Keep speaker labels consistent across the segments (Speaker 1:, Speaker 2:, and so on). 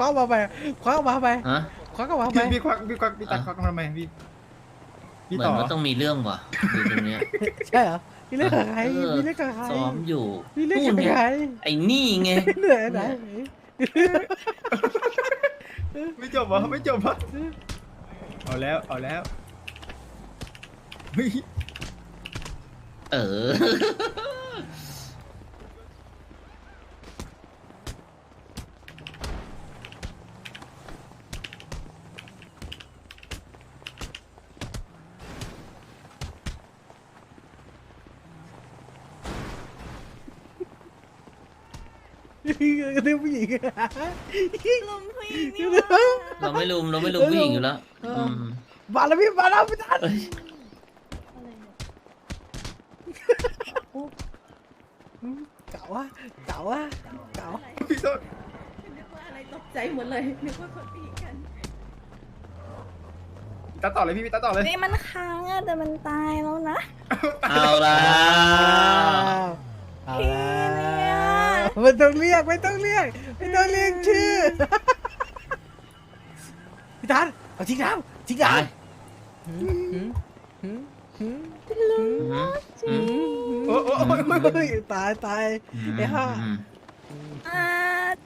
Speaker 1: ว้ามาไปคว้ามาไป
Speaker 2: ฮะ
Speaker 1: คว้าก็มาไป
Speaker 3: พี่ตัดควักทำไมพี่
Speaker 2: เหมือนว่าต้องมีเรื่องว่ะอยู่ตรงเนี้ย
Speaker 1: ใช่เหรอมีเรื่องกับใคร
Speaker 2: เออ
Speaker 1: มีเรื่องกับใคร
Speaker 2: ซ้อมอยู่
Speaker 1: มีเรื่อง
Speaker 2: นู่
Speaker 1: กัน บ
Speaker 2: ไง
Speaker 1: ใคร
Speaker 2: ไอ้นี่ไง
Speaker 1: เหนื่อยไหน
Speaker 3: ไม่จบวะไม่จบวะเอาแล้วเฮ้ย
Speaker 2: เออ
Speaker 1: เรื่องผู้หญิง
Speaker 4: ลุมผู้หญิงนี่หว่า
Speaker 2: เราไม่ลุมผู้หญิงอยู่แล้วอืม
Speaker 1: มาแล้วพี่มาแล้วพี่ทัน
Speaker 2: เอ้ย
Speaker 1: เก่าวะเก่าวะเก่า
Speaker 3: พี่โทษ
Speaker 4: นึกว่าอะไรตกใจหมดเลยนึกว่าคนตีกัน
Speaker 3: ตัดต่อเลยพี่ตัดต่อเลย
Speaker 4: นี่มันค้างอะแต่มันตายแล้วนะ
Speaker 2: เอาละ
Speaker 1: เอา
Speaker 4: พี่
Speaker 1: ละ
Speaker 4: เนี่ย
Speaker 1: ไม่ต้องเรียกชื่อพี่ทันเอาทิ้งน้ำ
Speaker 2: ตาย
Speaker 4: ลุง
Speaker 2: อืม
Speaker 3: โอ้
Speaker 1: ตายไอ้ห่า
Speaker 4: อ่า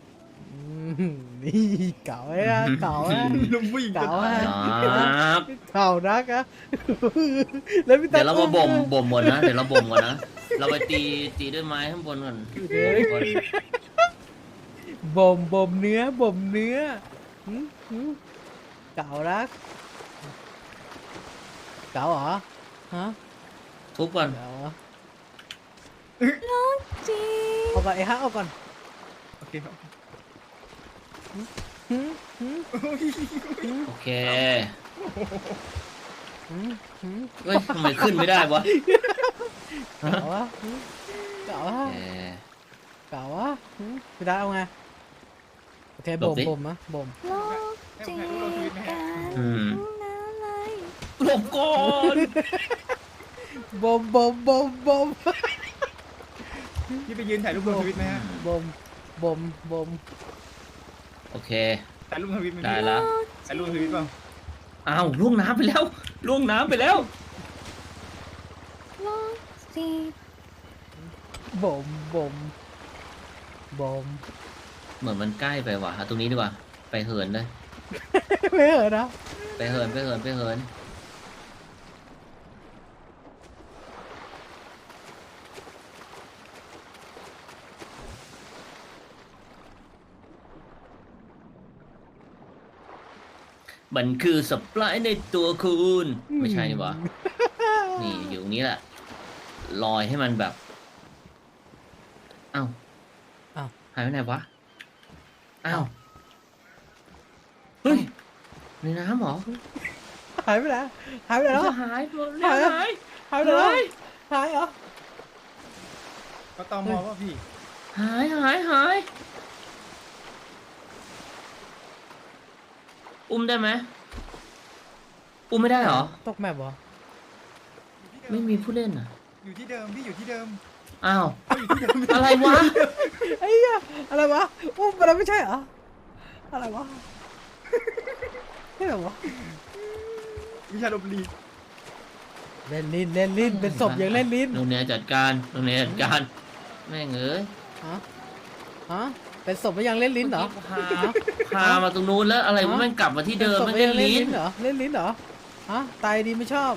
Speaker 1: นี่เก่าไอ้ห่าเก่าไอ้
Speaker 3: ลุงผู้หญิง
Speaker 1: เก่าไอ้
Speaker 2: ครับ
Speaker 1: เก่านักอะแล้วพี่ทั
Speaker 2: เดี๋
Speaker 1: น
Speaker 2: ยวเรามาบ่มก่อนนะ เดี๋ยวเราบ่มก่อนนะ เราไปตีด้วยไม้ข้างบนก่อน
Speaker 1: บ่มเนื้อเก่านักเก่าเหรอฮะ
Speaker 2: ทุบก่อน
Speaker 1: เก่าเหรอ
Speaker 4: จี
Speaker 1: เอาก่อนไอ้ห่าเอาก่อน
Speaker 3: โอเคครับ
Speaker 2: โอเคเฮ้ยทำไมขึ้นไม่ได้วะ
Speaker 1: เก่าวะเก่าวะ
Speaker 2: โอเค
Speaker 1: เก่าวะพี่ทันเอาไงโอเค
Speaker 2: หลบดิ
Speaker 1: บ่มนะบ่ม
Speaker 4: โลกจีกัน
Speaker 2: อืม
Speaker 4: อะไร
Speaker 2: หลบก่อน
Speaker 1: บ่ม
Speaker 3: พี่ไปยืนถ่ายรูปลงทวิตไหมฮะ
Speaker 1: บ่ม
Speaker 2: โอเค
Speaker 3: ถ่ายรูปทวิตไหม
Speaker 2: ได้ละ
Speaker 3: ถ่ายรูปทวิตเปล่า
Speaker 2: อ้าวล่วงน้ำไปแล้วล่วงน้ำไปแล้ว
Speaker 4: โลกจี
Speaker 1: บ่ม
Speaker 2: เหมือนมันใกล้ไปว่ะเอาตรงนี้ดีกว่า ไปเหินเลย
Speaker 1: ไม่เหรอนะ
Speaker 2: ไปเหิน มันคือสปายในตัวคุณ ไม่ใช่นี่หวะนี่อยู่ตรงนี้แหละ ลอยให้มันแบบ เอ้า
Speaker 1: อ้าว
Speaker 2: หายไปไหนวะ อ้าว เฮ้ย ในน้ำเหรอ
Speaker 1: หายไปไหนแล้ว
Speaker 2: หายหมด
Speaker 1: หาย
Speaker 2: หาย
Speaker 1: หายไปแล้วหายเหรอ
Speaker 3: ก็ตอมอว่าพี่
Speaker 2: หายอุ้มได้ไหมอุ้มไม่ได้เหรอ
Speaker 1: ตกแมปเหรอ
Speaker 2: ไม่มีผู้เล่นอ่ะ
Speaker 3: อยู่ที่เดิมพี่อยู่ที่เดิม
Speaker 2: อ้าว อะไรวะ
Speaker 1: ไอ้เหี้ยอะไรวะอุ้มไปแล้วไม่ใช่เหรออะไรวะไม่เหรอวะ
Speaker 3: วิชาลบลี
Speaker 1: เล่นลิ้นเป็นศพยังเล่นลิ้น
Speaker 2: โรงเรียนจัดการแม่งเอ้ย
Speaker 1: ฮะเป็นศพยังเล่นลิ้นเหรอ
Speaker 2: พามาตรงนู้นแล้วอะไรวะแม่งกลับมาที่เดิม
Speaker 1: ป็
Speaker 2: แม่
Speaker 1: น
Speaker 2: ง
Speaker 1: ศพ
Speaker 2: เล่น
Speaker 1: ยัง
Speaker 2: ลิ้น
Speaker 1: เหรอเล่นลิ้นเหรอฮะตายดีไม่ชอบ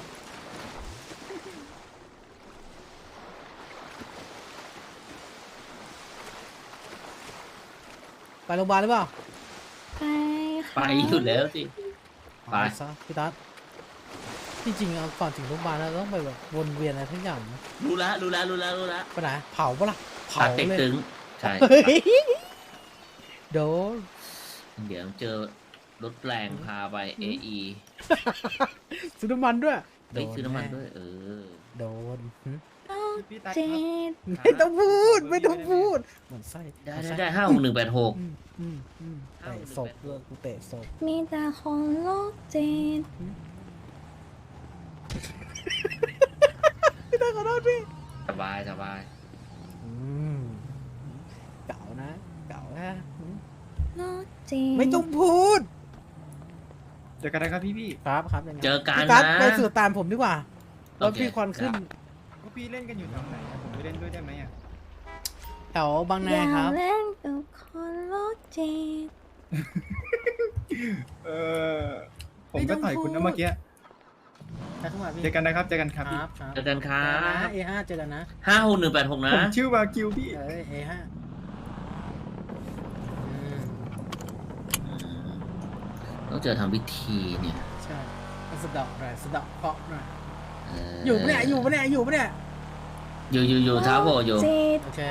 Speaker 1: ไปโรงพยาบาลหรือเปล่า
Speaker 4: ไป
Speaker 2: ไปอยู่แล้วสิ ไป
Speaker 1: ซะพี่ตั๊ดจริงๆเอาก่อนถึงโรงพยาบาลเราต้องไปแบบวนเวียนอะไรทั้งอย่างนะ
Speaker 2: รู้ละ
Speaker 1: ไปไหนเผาปะล่ะเผา
Speaker 2: ตัดเต็ก
Speaker 1: เลย
Speaker 2: ตึงใช่
Speaker 1: เฮ้ยโดน
Speaker 2: เดี๋ยวเจอรถแปลงพาไป AE
Speaker 1: ซื้อน้ำมันด้วย
Speaker 2: ไปซื้อน้ำมันด้วย เออ
Speaker 1: โดนหึ
Speaker 4: โลก
Speaker 3: พี่ตัด
Speaker 4: จี
Speaker 1: ไม่ต้องพูดเหมือนไส้
Speaker 2: ได้56186
Speaker 1: เตะศพด้วยกูเตะศพ
Speaker 4: มีแต่คนโลกจี
Speaker 1: พี่ตาขอโทษพี่
Speaker 2: สบาย
Speaker 1: เก่านะ
Speaker 5: โลกจิต
Speaker 1: ไม่ต้องพูด
Speaker 3: เจอกันนะครับพี่
Speaker 1: ครับครับยังไง
Speaker 2: เจอกัน
Speaker 1: พี่กัส
Speaker 2: นะ
Speaker 1: ไปสู่ตามผมดีกว่า
Speaker 2: โอ
Speaker 1: รถ
Speaker 2: เค
Speaker 1: พี่ควันขึ้น
Speaker 3: ก็พี่เล่นกันอยู่แถวไหนอะผมไปเล่นด้วยได้ไหมอ่ะ
Speaker 1: แถวบาง
Speaker 5: อ
Speaker 1: นา
Speaker 5: ย่า
Speaker 1: ครับ
Speaker 5: เล่นกับคนโลกจิต
Speaker 3: เออผมก็ต่อยคุณนะเมื่อกี้
Speaker 1: ไปเข้ามาพี่
Speaker 3: เจอกันนะครับเจอกันครับ
Speaker 1: ค
Speaker 3: พี่
Speaker 1: รับครับ
Speaker 2: เจอกันครั
Speaker 1: เจอกันนะ
Speaker 2: บ
Speaker 1: A5 เจอกันนะ
Speaker 2: 56186นะ
Speaker 3: ผมชื่อวากิวพี่
Speaker 1: เอ้ย A5
Speaker 2: ต้องเจอทำพิธีเนี่ย
Speaker 1: ใช่มาสะเดาะหน่อยสะเดาะเคราะห์หน่อย
Speaker 2: เ
Speaker 1: อยู่ปะเนี่ยอยู่ปะเนี่ยอยู่ปะเนี่ย
Speaker 2: อยู่เท้าโผล่อยู่
Speaker 5: จิต
Speaker 1: โอเค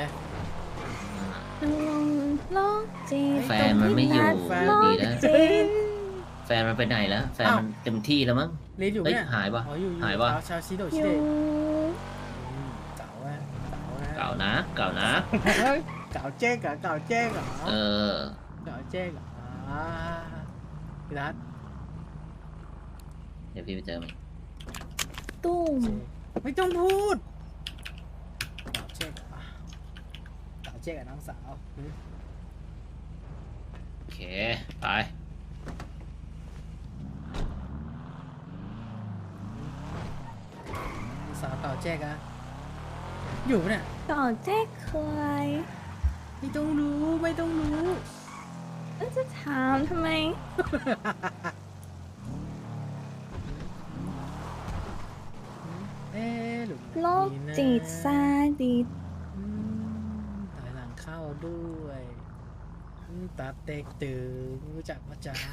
Speaker 5: โลกจิต
Speaker 2: แฟนมันไม่อยู่
Speaker 1: แฟน
Speaker 5: โล
Speaker 2: ดี
Speaker 5: ก
Speaker 2: แล้ว
Speaker 5: จิต
Speaker 2: แฟนมันไปไหนแล้ว แฟนมันเต็มที่แล้วมั้ง
Speaker 1: เรียนอยู่ปะเนี่ย
Speaker 2: เฮ้ยหายปะ
Speaker 1: อ๋ออยู่
Speaker 2: หายปะ
Speaker 1: ชาวชิโด
Speaker 5: อ
Speaker 1: ชิ
Speaker 5: ยู่
Speaker 1: เดะเก่าอะเก่านะ
Speaker 2: เก่านะ
Speaker 1: เฮ้ยเก่าเจ๊กเหรอเก่าเจ๊กเหรอ
Speaker 2: เออ
Speaker 1: เก่าเจ๊กเหรอพี่รัต
Speaker 2: เดี๋ยวพี่ไปเจอมัน
Speaker 5: ตุ้ม
Speaker 1: ไม่ต้องพูดเก่าเจ๊กเหรอเก่าเจ๊กกับน้องสาว
Speaker 2: โอเค ไป
Speaker 1: น้องสาวเก่าเจ๊กอะอยู่ปะเนี่ย
Speaker 5: ก่อนแจ๊กเคย
Speaker 1: ไม่ต้องรู้ไม่ต้องรู้
Speaker 5: แล้วจะถามทำไม
Speaker 1: เอ๊ะหรือ
Speaker 5: โลกจิตซาดิส
Speaker 1: ถอยหลังเข้าด้วยตาเต็กตึงรู้จักว่าจ้า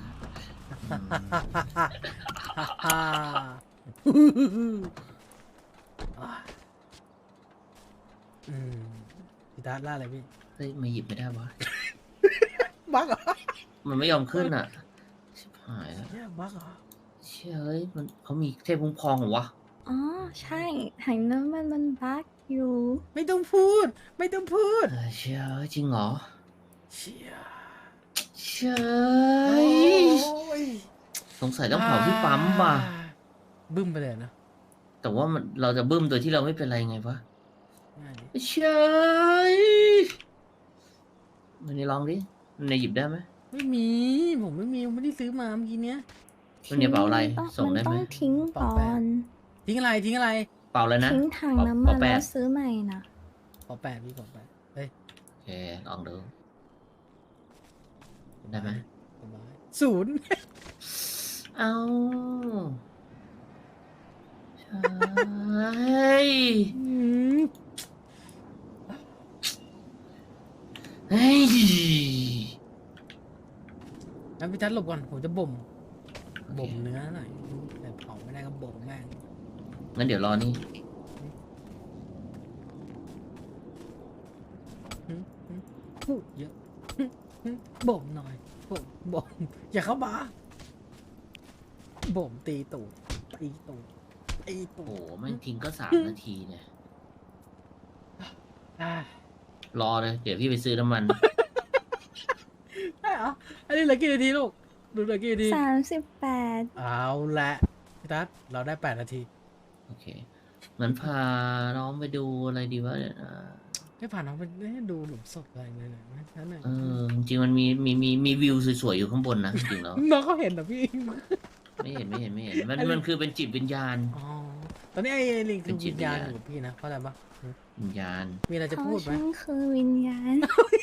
Speaker 1: พี่ตาล่าอะไรพี่
Speaker 2: เฮ้ยมาหยิบไม่ได้วะ
Speaker 1: บักเหรอ
Speaker 2: มันไม่ยอมขึ้นอ่ะ ชิบหายแล้ว
Speaker 1: เนี่ยบักเหรอ
Speaker 2: เชื่อเฮ้ยมันเขามีเทพคุ้มครองเหรอวะ
Speaker 5: อ๋อ ใช่ถังน้ำมันบักอยู่
Speaker 1: ไม่ต้องพูด ไม่ต้องพูด
Speaker 2: เชื่อเฮ้ยจริงเหรอ
Speaker 1: เชี่ย
Speaker 2: เชื่อ
Speaker 1: โอ้
Speaker 2: เฮ้ย
Speaker 1: ย
Speaker 2: สงสัยต้องเผาที่ปั๊มว่ะ
Speaker 1: บึ้มไปเลยนะ
Speaker 2: แต่ว่ามันเราจะบึ้มโดยที่เราไม่เป็นไรไงวะ
Speaker 1: ง่ายดิ
Speaker 2: เชื่อมันนี่ลองดิมันในหยิบได้ไหม
Speaker 1: ไม่มี ผมไม่มีผมไม่ได้ซื้อมาเมื่อกี้เนี้ย
Speaker 2: มันเนี่ยเป๋าอะไร
Speaker 5: ต้อง
Speaker 2: ส่งได้ไหม
Speaker 5: มันต้องทิ้งก่อน
Speaker 1: ทิ้งอะไรทิ้งอะไร
Speaker 2: เปล่าเลยนะ
Speaker 5: ทิ้งถังน้ำ
Speaker 2: เป
Speaker 5: มั
Speaker 2: ล่าน แป
Speaker 5: แล้
Speaker 2: ด
Speaker 5: วซื้อใหม่นะ
Speaker 1: ขอแปดพี่ขอแปดเฮ้ย
Speaker 2: โอเคลองดูได้ไหม
Speaker 1: สบายศูนย์
Speaker 2: เอาใช่เฮ้ย
Speaker 1: งั้นพี่ทัศน์หลบก่อนผมจะบ่มเนื้อหน่อยแต่เผาไม่ได้ก็บ่มแม่ง
Speaker 2: งั้นเดี๋ยวรอนี่
Speaker 1: พูดเยอะบ่มหน่อยบ่มอย่าเข้ามาบ่มตีตูดตีตูดตีตู
Speaker 2: โอ้
Speaker 1: ด
Speaker 2: โหไม่งทิ้งก็3 นาทีเนี่ย
Speaker 1: อ่าร
Speaker 2: อเลย เดี๋ยวพี่ไปซื้อน้ำมัน
Speaker 1: ได้เหรออันนี้เหลือกี่นาทีลูกดูเหลือกี่นาที
Speaker 5: 38
Speaker 1: เอาละพี่ทัศน์เราได้8 นาที
Speaker 2: โอเคงั้นพาน้องไปดูอะไรดีวะเนี่ย
Speaker 1: ไม่ผ่านน้องไปดูหลุมศพอะไรเลยนะนั่นน่ะ
Speaker 2: จริงๆมันมีวิวสวยๆอยู่ข้างบนนะจริงๆแล้ว
Speaker 1: น้องเขาเห็นเหรอพี่
Speaker 2: ไม่เห็นมันคือเป็นจิตวิญญาณ
Speaker 1: อ๋อตอนนี้ไอ้ลิงคือ
Speaker 2: เป็นจิ
Speaker 1: วิ
Speaker 2: ต
Speaker 1: ญญาณ
Speaker 2: วิญญาณ
Speaker 1: อยู่กับพี่นะเข้าใจปะ
Speaker 2: วิญญาณ
Speaker 1: มีอะไรจะ
Speaker 5: เพ
Speaker 1: พูด
Speaker 5: ราะ
Speaker 1: ไหม
Speaker 5: ฉันคือวิญญาณ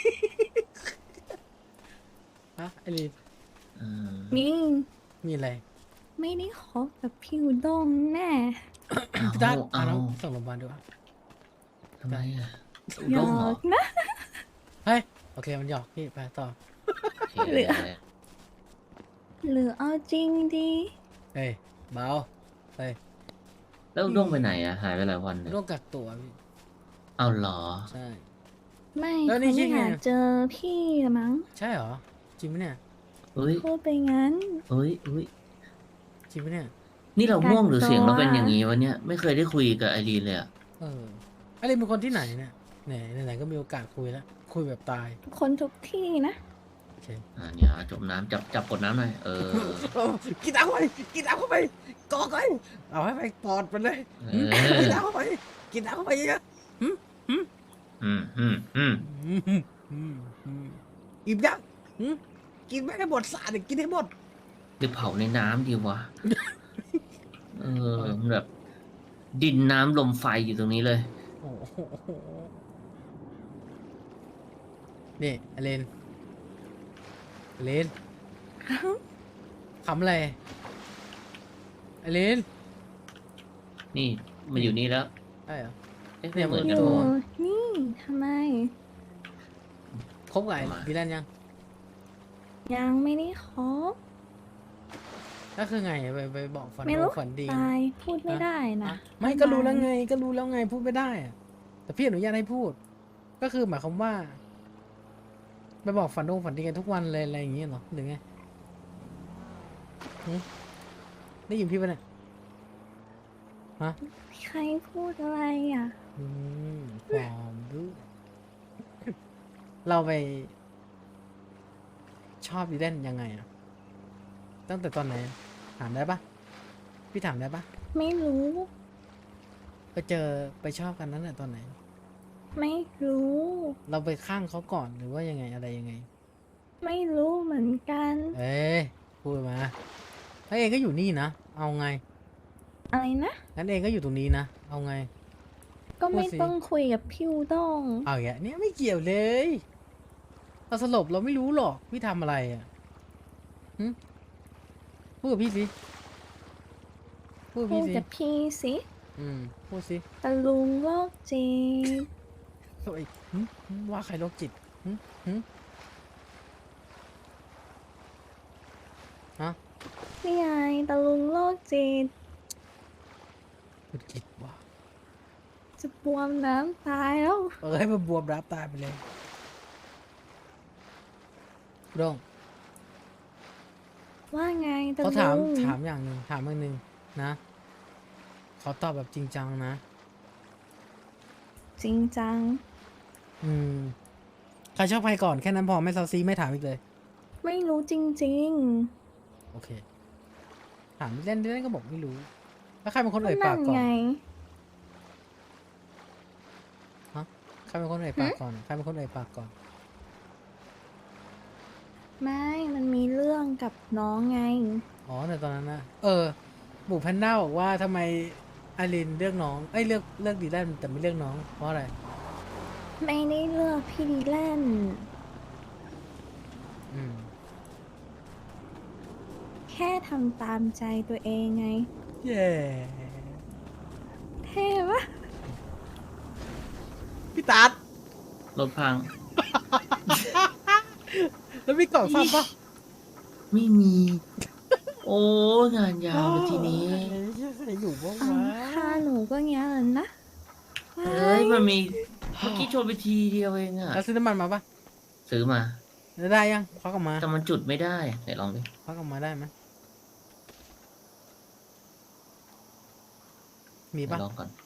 Speaker 1: ฮะไอ้ลิง
Speaker 2: เออ
Speaker 5: นี่
Speaker 1: มีอะไร
Speaker 5: ไม่ได้คบกับพี่อุด้งแน่
Speaker 1: พี่ทัศน์
Speaker 2: เอา
Speaker 1: น้องส่งโรงพยาบาลดูอ่ะ
Speaker 2: ทำไมอ่ะ
Speaker 5: หย
Speaker 2: ร่
Speaker 5: อ
Speaker 2: มเหรอก
Speaker 5: นะ
Speaker 1: เฮ้ยโอเคมันหยอกพี่ไปต่อ
Speaker 2: โอเค
Speaker 5: เหลือ หรือเอาจริงดี
Speaker 1: เฮ้ยเบาเฮ้ย
Speaker 2: แล้วด้วงไปไหนอ่ะ หายไปหลายวันเลย
Speaker 1: โรคกักตัวพี่
Speaker 2: เอาเหรอ
Speaker 1: ใช่
Speaker 5: ไม่
Speaker 1: แล้วนี่
Speaker 5: เขา
Speaker 1: คิ
Speaker 5: ไม่
Speaker 1: ดไง
Speaker 5: อยากเจอพี่ละมั้ง
Speaker 1: ใช่เหรอจริงไหมเนี่ย
Speaker 2: เฮ้ย
Speaker 5: พูดไปงั้น
Speaker 2: เฮ้ย
Speaker 1: จริงไหมเนี่ย
Speaker 2: นี่เราง่วงหรือเสียงเราเป็น
Speaker 5: กักตัว
Speaker 2: อย่างนี้วะเนี่ย ไม่เคยได้คุยกับไอรีนเลยอ่ะ
Speaker 1: เออไอ้ลิงเป็นคนที่ไหนเนี่ยไหนก็มีโอกาสคุยแล้วคุยแบบตาย
Speaker 5: คนทุกที่นะ
Speaker 1: โอเค
Speaker 2: เนี่ยจมน้ำจับกดน้ำหน่อย เออ
Speaker 1: กินน้ำเข้าไปกินน้ำเข้าไปกอกเลยเอาให้ไปปอดมันเลย
Speaker 2: เออ
Speaker 1: กินน้ำเข้าไปกินน้ำเข้าไปเยอะ
Speaker 2: อืม
Speaker 1: อิ่มยังกินไม่ให้หมดสาดกินให้หมด
Speaker 2: หรือเผาในน้ำดีวะ มันแบบ ดินน้ำลมไฟอยู่ตรงนี้เลย
Speaker 1: โอ้โหนี่อเลนอเลนขำอะไรอเลน
Speaker 2: นี่มันอยู่นี่แล้ว
Speaker 1: ใช่เหรอ
Speaker 2: เอ๊ะ
Speaker 1: เนี่
Speaker 2: ไม่
Speaker 1: ย
Speaker 2: เหมือน
Speaker 5: อ
Speaker 2: กัน
Speaker 5: ยู่
Speaker 2: วะ
Speaker 5: นี่ทำไม
Speaker 1: คบกับไอ้ดีแลนยัง
Speaker 5: ยังไม่ได้คบ
Speaker 1: แล้วคือไงไปบอกฝัน
Speaker 5: ไม่
Speaker 1: ดี
Speaker 5: รู้
Speaker 1: ฝันดี
Speaker 5: ตายพูดไม่ได้นะ
Speaker 1: ไม่ก็รู้แล้วไงก็รู้แล้วไงพูดไม่ได้อะแต่พี่อนุญาตให้พูด ก็คือหมายความว่า ไปบอกฝันดีกันทุกวันเลยอะไรอย่างเงี้ยเหรอหรือไงหึได้ยินพี่ปะเนี่ยฮะ
Speaker 5: ใครพูดอะไรอ่ะ
Speaker 1: ความรู้เราไป ชอบดีแลนยังไงอะตั้งแต่ตอนไหนถามได้ปะพี่ถามได้ปะ
Speaker 5: ไม่รู้
Speaker 1: ไปเจอไปชอบกันนั้นแหละตอนไหน
Speaker 5: ไม่รู้
Speaker 1: เราไปข้างเขาก่อนหรือว่ายังไงอะไรยังไง
Speaker 5: ไม่รู้เหมือนกัน
Speaker 1: เอ้ยพูดมาแล้วเองก็อยู่นี่นะเอาไง
Speaker 5: อะไรนะ
Speaker 1: งั้นเองก็อยู่ตรงนี้นะเอาไง
Speaker 5: ก็ไม่
Speaker 1: พูดสิ
Speaker 5: ต้องคุยกับพี่อูด้ง
Speaker 1: เอาอย่างเนี้ยไม่เกี่ยวเลยเราสลบเราไม่รู้หรอกพี่ทำอะไรอ่ะหึพูดกับพี่สิพูดกับ
Speaker 5: พู
Speaker 1: พี่
Speaker 5: ด
Speaker 1: สิ
Speaker 5: กับพี่สิ
Speaker 1: พูดสิ
Speaker 5: ตะลุงโรคจิต
Speaker 1: เฮ้ยว่าใครโรคจิตหึฮะ
Speaker 5: นี่ไงตะลุงโรคจิต
Speaker 1: โรคจิตว่ะ
Speaker 5: จะบวมน้ำตายแล้ว
Speaker 1: ให้มันบวมรับตายไปเลยโด่ง
Speaker 5: ว่าไงตะ
Speaker 1: เขา
Speaker 5: ลุ
Speaker 1: ถาม
Speaker 5: ง
Speaker 1: อย่างหนึ่งถามอย่างหนึ่งนะเขาตอบแบบจริงจังนะ
Speaker 5: จริงจัง
Speaker 1: ใครชอบใครก่อนแค่นั้นพอไม่ซาซีไม่ถามอีกเลย
Speaker 5: ไม่รู้จริง
Speaker 1: โอเค ถามเล่นเล่นก็บอกไม่รู้ แล้วใครเป็นคน
Speaker 5: ๆ
Speaker 1: เอ่ย
Speaker 5: นั่
Speaker 1: ปาก
Speaker 5: น
Speaker 1: ก่อน
Speaker 5: ไง
Speaker 1: ใครเป็นคนเอ่ยปากก่อนใครเป็นคนเอ่ยปากก่อน
Speaker 5: ไม่มันมีเรื่องกับน้องไง
Speaker 1: อ๋อแต่ตอนนั้นนะหมูแพนด้าบอกว่าทำไมอารินเลือกน้องเลือกดีแลนแต่ไม่เลือกน้องเพราะอะไร
Speaker 5: ไม่ได้เลือกพี่ดีแลนด์
Speaker 1: อืม
Speaker 5: แค่ทำตามใจตัวเองไง
Speaker 1: เย้
Speaker 5: เท่ปะ
Speaker 1: พี่ตัด
Speaker 2: รถพัง
Speaker 1: แล้วมีกล่องซ่อมปะ
Speaker 2: ไม่มี โอ้งานยาวเลยทีนี้
Speaker 1: ใครอยู่บ้าง
Speaker 5: อ้าว
Speaker 1: วะ
Speaker 5: ค่าหนูก็เงี้ยเลยนะ
Speaker 2: เฮ้ย มันมี เมื่อกี้ชนไปทีเดียวเองอะ
Speaker 1: แล้วซื้อน้ำมันมาปะ
Speaker 2: ซื้อมา
Speaker 1: แล้วได้ยังควักออกมา
Speaker 2: แต่มันจุดไม่ได้ไหนลองดิ
Speaker 1: ควักออกมาได้ไหมมี
Speaker 2: ไหน
Speaker 1: ปะ
Speaker 2: ลองก่อน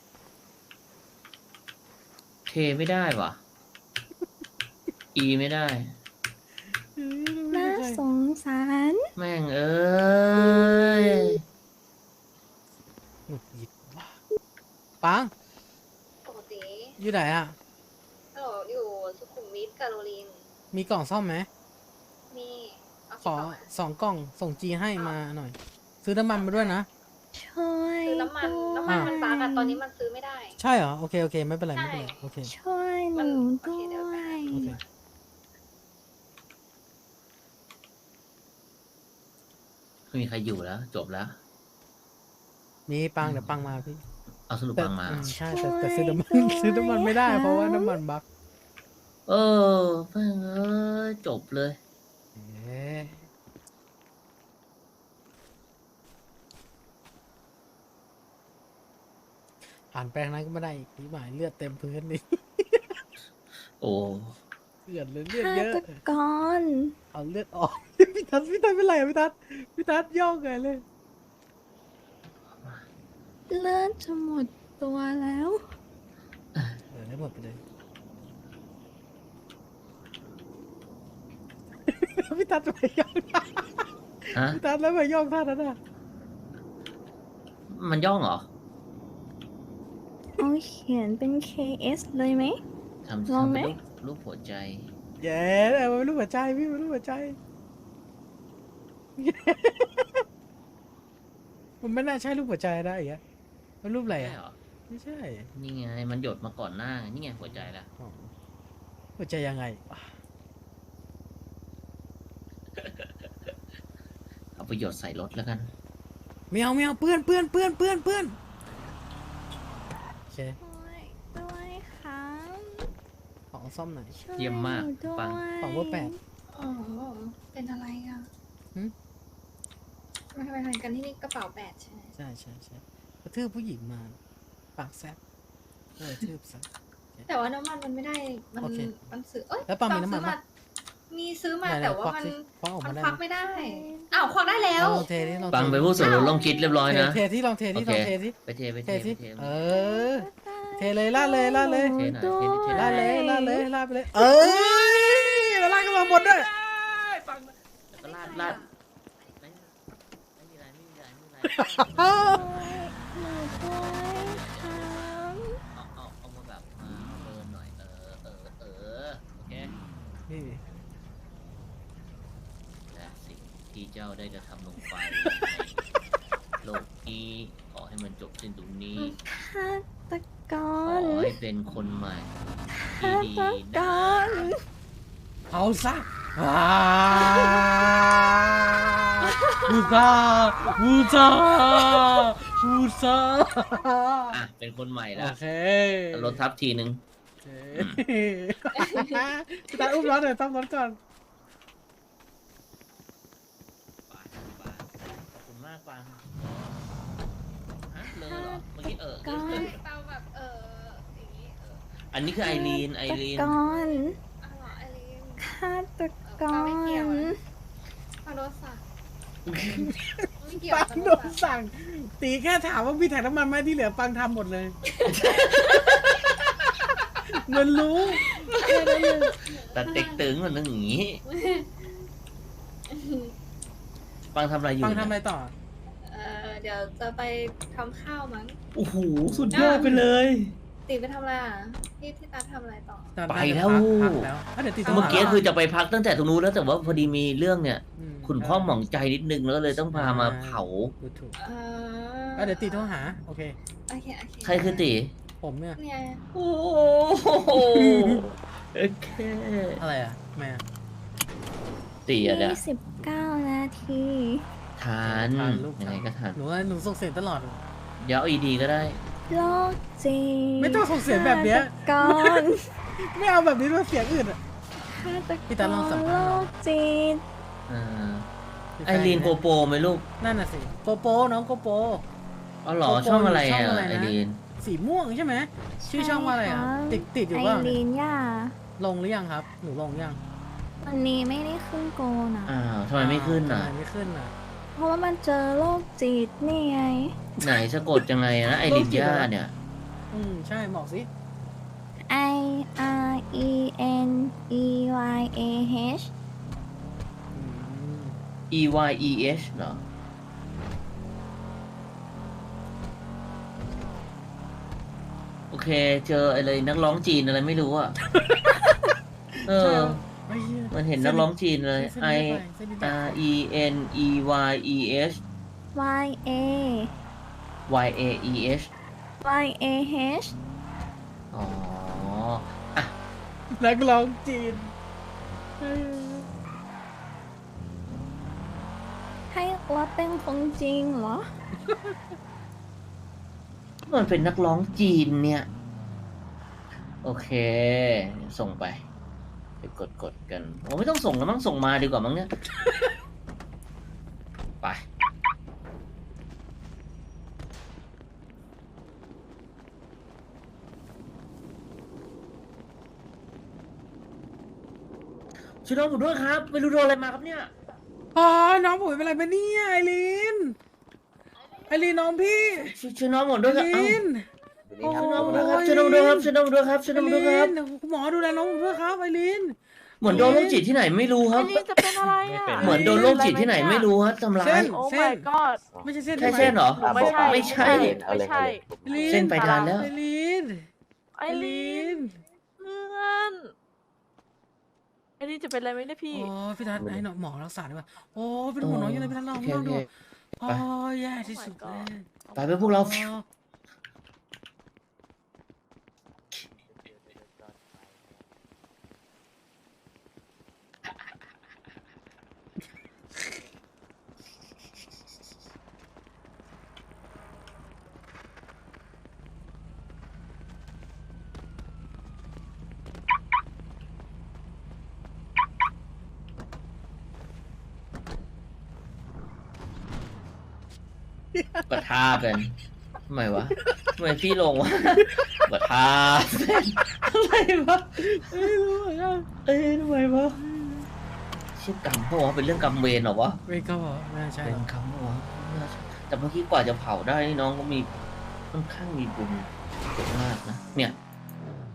Speaker 2: เทไม่ได้ว่ะ อีไม่ได้
Speaker 5: น่าสงสาร
Speaker 2: แม่งเอ้ย
Speaker 1: หงุดหงิดว่ะปัง
Speaker 6: ปกติ
Speaker 1: อยู่ไหนอ่ะ
Speaker 6: ฮัลโหลอยู่สุขุมวิทการโรลิน
Speaker 1: มีกล่องซ่อมไหม
Speaker 6: มีเอา
Speaker 1: ขอ2 กล่องส่งจีให้มาหน่อย ซื้อน้ำมันมาด้วยนะ
Speaker 5: ช่วย
Speaker 6: ซื้อน้ำมัน
Speaker 5: ด้วย
Speaker 6: น้ำมันมันบั๊กอะตอนนี้มันซื้อไม่ได้
Speaker 1: ใช่เหรอ โอเค ไม่เป็นไร
Speaker 6: ใช่
Speaker 1: ไม่เป็นไร โอเค
Speaker 5: ช่วยหนูด้
Speaker 6: โอเคเดี๋ยว
Speaker 5: ว
Speaker 6: ไป
Speaker 5: ย
Speaker 1: โอเค
Speaker 2: ไม่มีใครอยู่แล้ว จบแล้ว
Speaker 1: มีปังเดี๋ยวปังมาพี่
Speaker 2: เอาสรุป
Speaker 1: แต่
Speaker 2: ฟังมา
Speaker 1: ใช่แต่ซื้อน้ำมัน ซื้อน้ำมันไม่ได้เพราะว่าน้ำมันบั๊ก
Speaker 2: เออแม่งเอ้ย จบเลย
Speaker 1: เอ๊ะผ่านแปลงนั้นก็ไม่ได้อีกหมายเลือดเต็มพื้นนี่
Speaker 2: โอ้
Speaker 1: เลือดเลยเลือด
Speaker 5: ฆา
Speaker 1: เยอะ
Speaker 5: ตกร
Speaker 1: เอาเลือดออก พี่ทัศน์เป็นไรอะพี่ทัศน์ย่องไงเลย
Speaker 5: เลือดจะหมดตัวแล้ว
Speaker 1: ได้หมดไปเลย พี่ทัศน์ไปย่อง
Speaker 2: ฮะ
Speaker 1: พี่ทัศน์แล้วไปย่องท่านั้นอ่ะ
Speaker 2: มันย่องเหรอ
Speaker 5: เอาเขียนเป็น KS เลยไหม
Speaker 2: ทำ
Speaker 5: ลอง
Speaker 2: ทำ
Speaker 5: ไหม
Speaker 2: เป็นรูปหัวใจ
Speaker 1: แย่มันเป็นรูปหัวใจพี่มันเป็นรูปหัวใจ มันไม่น่าใช่รูปหัวใจได้อีกอะมันรูปอะไร
Speaker 2: ใช่
Speaker 1: อะ
Speaker 2: เหรอ
Speaker 1: ไม่ใช่
Speaker 2: นี่ไงมันหยดมาก่อนหน้านี่ไงหัวใจละ
Speaker 1: อ๋อหัวใจยังไงวะ
Speaker 2: เอาไปหยดใส่รถแล้วกัน
Speaker 1: ไม่เอาเปื้อนโอเค
Speaker 5: ด้วยค่ะ
Speaker 1: ของซ่อมหน่อย
Speaker 5: ช่ว
Speaker 2: เยี่ยมมาก
Speaker 5: หนูด้วย
Speaker 2: ปัง
Speaker 1: ของเบอร์ 8
Speaker 6: อ๋อ เป็นอะไรอ่ะ
Speaker 1: หืม
Speaker 6: มาทำไมทำกันที่นี่กระเป๋าแปดใช่ไหม
Speaker 1: ใช่กระทืบผู้หญิงมา ปากแซ่บเลยทืบซะ
Speaker 6: แต่ว่าน้ำมันมันไม่ได้ มัน
Speaker 1: โอเค
Speaker 6: มันซื้อเอ้ย
Speaker 1: แล้วปังมีน้ำมัน
Speaker 6: ซื้อ
Speaker 1: ปะ
Speaker 6: มีซื้อมา
Speaker 1: ไหนๆ
Speaker 6: แต่ว่า
Speaker 1: ควัก
Speaker 6: มัน
Speaker 1: สิควักออก
Speaker 6: มั
Speaker 1: มาน ได้
Speaker 6: ควัก
Speaker 1: ไหม
Speaker 6: ไม่ได้ อ้าวควักได้แล้ว
Speaker 1: ลองเทดิลอง
Speaker 2: ปัง
Speaker 1: เท
Speaker 2: ไป
Speaker 1: ดิ
Speaker 2: พูดส่วนลดลองคิดเรียบร้อยนะ
Speaker 1: เทที่ลองเทที่
Speaker 2: โอ
Speaker 1: ล
Speaker 2: เค
Speaker 1: องเทที่
Speaker 2: ไปเทไป
Speaker 1: เท
Speaker 2: เทไป
Speaker 1: ที่
Speaker 2: เท
Speaker 1: เออ เทเลยลาดเลย
Speaker 2: เทหน่อยเทเทหน่
Speaker 1: ลา
Speaker 2: อ
Speaker 1: ด
Speaker 2: ย
Speaker 1: เลยลาดเลยลาดไปเลย เอ้ยแล้วลาดกันมาหมดด้วย
Speaker 2: ปังแล้วก็ลาดไม่มีอะไรไม่มีอะไรไม่มีอะไร
Speaker 5: หนูด้วยค่ะ
Speaker 2: เอามาแบบมาเบิร์นหน่อยโอเค
Speaker 1: นี่
Speaker 2: และสิ่งที่เจ้าได้กระทำลงไปในโลกนี้ขอให้มันจบสิ้นตรงนี้
Speaker 5: ฆาตก
Speaker 2: ขอ
Speaker 5: ร
Speaker 2: ให้เป็นคนใหม่ที่
Speaker 5: ฆา
Speaker 2: ดี
Speaker 5: ตก
Speaker 2: นะ
Speaker 5: ร
Speaker 1: เอาซะบูซาบูซาบูซา
Speaker 2: อ่ะเป็นคนใหม่
Speaker 1: โอ
Speaker 2: แล้ว
Speaker 1: เค
Speaker 2: รถทับทีนึง
Speaker 1: โอเคตาอุ้มรถหน่อยต้องรถก่อน
Speaker 2: ขอบคุณมากปังฮะเลอเหรอเมื่อกี้
Speaker 6: เตาแบบอย่างนี้
Speaker 2: อันนี้คือไอรีน
Speaker 5: ฆาตกร
Speaker 6: อ้าวเหรอไอรีน
Speaker 5: ฆาตก
Speaker 6: ไม่เกี่ยว
Speaker 5: ร
Speaker 6: นะ ปาโดนสั่งไม่เกี่ยว
Speaker 1: ปัง
Speaker 6: ปา
Speaker 1: โดนสั่ง ตีแค่ถามว่ามีถังน้ำมันไหมที่เหลือปังทำหมดเลยมันรู้แค่นั้นเลย
Speaker 2: แต่เต็กตึงมันนึงอย่างนี้ ปังทำอะไรอยู่
Speaker 1: ปังทำอะไรต่อ
Speaker 6: เดี๋ยวจะไปทำข้าวมั้ง
Speaker 2: โอ้โหสุดยอดไปเลย
Speaker 6: ตีไปทำอะไรอ่ะที่ตาทำอะไรต่อ
Speaker 2: ไปแล้ว
Speaker 1: พักแล้วเดี๋ยวตีต้อง
Speaker 2: เมื่อกี้
Speaker 1: หา
Speaker 2: คือจะไปพักตั้งแต่ตรงนู้นแล้วแต่ว่าพอดีมีเรื่องเนี่ย
Speaker 1: อืม
Speaker 2: ขุนข้อหมองใจนิดนึงแล้วก็เลยต้องพามาเผา
Speaker 1: ดูถูก
Speaker 6: เออ
Speaker 1: เดี๋ยวตีโทรหา โอเค
Speaker 6: โอเค
Speaker 2: ใครคือตี
Speaker 1: ผมเนี่ย
Speaker 6: เนี่ย
Speaker 2: โอ้โหโอเค
Speaker 1: อะไรอ่ะแม่
Speaker 2: ตีอะเนี่ย
Speaker 5: 29 นาที
Speaker 2: ทาน
Speaker 1: ทานลูก
Speaker 2: ยังไงก็ทาน
Speaker 1: หนูส่งเสียงตลอด
Speaker 2: เดี๋ยวเอาดีก็ได้
Speaker 5: โลกจริง
Speaker 1: ไม่ต้องส่งเสียงแบบเนี้ย
Speaker 5: ฆาตกร
Speaker 1: ไม่เอาแบบนี้ด้วยเสียงอื่นอ่ะ
Speaker 5: ฆาต
Speaker 1: พี่
Speaker 5: ก
Speaker 1: ตาร ลองสัม
Speaker 5: โล
Speaker 1: ภาษณ์
Speaker 5: กจริง
Speaker 2: อ่าไอรีนโกโปรไหมลูก
Speaker 1: นั่นน่ะสิโกโปน้องโกโป
Speaker 2: อ๋อเหรอ
Speaker 1: โกโปร
Speaker 2: ช่องอะไร
Speaker 1: ช่อง
Speaker 2: อ่ะ
Speaker 1: อะไรนะ
Speaker 2: ไอรีน
Speaker 1: สีม่วงใช่ไหมชื่อช่องว่าอะไรอ่ะ ติดอยู่
Speaker 5: ไอ
Speaker 1: บ้าง
Speaker 5: รีนย่า
Speaker 1: ลงหรือยังครับ หนูลงยัง
Speaker 5: วันนี้ไม่ได้ขึ้นโกนะ
Speaker 2: อ้าวทำไมไม่ขึ้นอ่ะ
Speaker 1: ทำไมไม่ขึ้นอ่ะ
Speaker 5: เพราะว่ามันเจอโรคจิตนี่ไง
Speaker 2: ไหนสะกดยังไงนะไอรินย่าเนี่ย
Speaker 1: ใช่บอกสิ
Speaker 5: I R E N E Y A H
Speaker 2: E Y E H เหรอ โอเค เจออะไรนักร้องจีนอะไรไม่รู้อ่ะ เอ
Speaker 1: ใช่
Speaker 2: อ
Speaker 1: เหรอไม่เชื่อ
Speaker 2: มันเห็นนักร้องจีนเลย
Speaker 1: เส้น
Speaker 2: I
Speaker 1: นี้ไปเส้นนี้ไป
Speaker 2: R E N E Y E H
Speaker 5: Y A
Speaker 2: Y A E H
Speaker 5: Y A H
Speaker 2: อ๋อ อ่ะ
Speaker 1: นักร้องจีน
Speaker 5: ให้ว่าเป็นคนจริงเหรอ
Speaker 2: มันเป็นนักร้องจีนเนี่ย โอเค ส่งไป ไปกดกันโอ้ไม่ต้องส่งแล้วมั้งส่งมาดีกว่ามั้งเนี่ย ไป ช่วยน้องผมด้วยครับไม่รู้โดนอะไรมาครับเนี่ย
Speaker 1: อ๋อ น้องผมเป็นอะไรไปเนี่ยไอรีน ไอรีนน้องพี่
Speaker 2: ช่วยน้องผม
Speaker 1: ไอ
Speaker 2: ด้วยครับ
Speaker 1: รี
Speaker 2: เอ้าน
Speaker 1: โอ้
Speaker 2: ช่วยน้องผมด้วยครับช่วยน้องผมด้วยครับช่วยน้องผมด้วยครับช่วย
Speaker 1: ไอ
Speaker 2: น้องผมด้วย
Speaker 1: รี
Speaker 2: ครับ
Speaker 1: นคุณหมอดูแลน้องผมด้วยครับไอรีน
Speaker 2: เหมือนโดนโรคจิตที่ไหนไม่รู้ครับ
Speaker 7: นี่จะเป็นอะไรอ่ะ
Speaker 2: เหมือนโดนโรคจิตที่ไหนไม่รู้ครับทำร้า
Speaker 1: เส้
Speaker 2: ย
Speaker 1: น
Speaker 7: โอ้ my god
Speaker 1: ไม่ใช่เส้น
Speaker 2: แค่เส้นเหรอ
Speaker 7: ไม่ใช่
Speaker 2: ไม่ใช่
Speaker 7: ไม่ใช่
Speaker 1: ไอรีน
Speaker 2: เส้นไปทานแล้ว
Speaker 1: ไอรีน
Speaker 7: ไอรีนเพื่อนอันนี้จะเป็นอะไรไหมเนี่ยพี่
Speaker 1: โอ้พี่ทัศน์ให้หมอรักษาดีกว่าโอ้เป็นห่วงน้องยังไงพี่ทัศน์ลองลองดูโอ้แย่ที่สุดเลย
Speaker 2: ไปพวกเรา
Speaker 1: โอ้
Speaker 2: ปะทากันทำไมวะทำไมพี่ลงวะปะทาทำไมวะทำไมวะเชื่อกรรมเพราะว่าเป็นเรื่องกรรมเวรเหรอวะ
Speaker 1: ไม่ก็ไม่ใช่
Speaker 2: เป็
Speaker 1: หรอน ก
Speaker 2: กรรมเหรอวะแต่เมื่อกี้กว่าจะเผาได้นี่น้องก็มีค่อนข้างมีบุญเยอะมากนะเนี่ย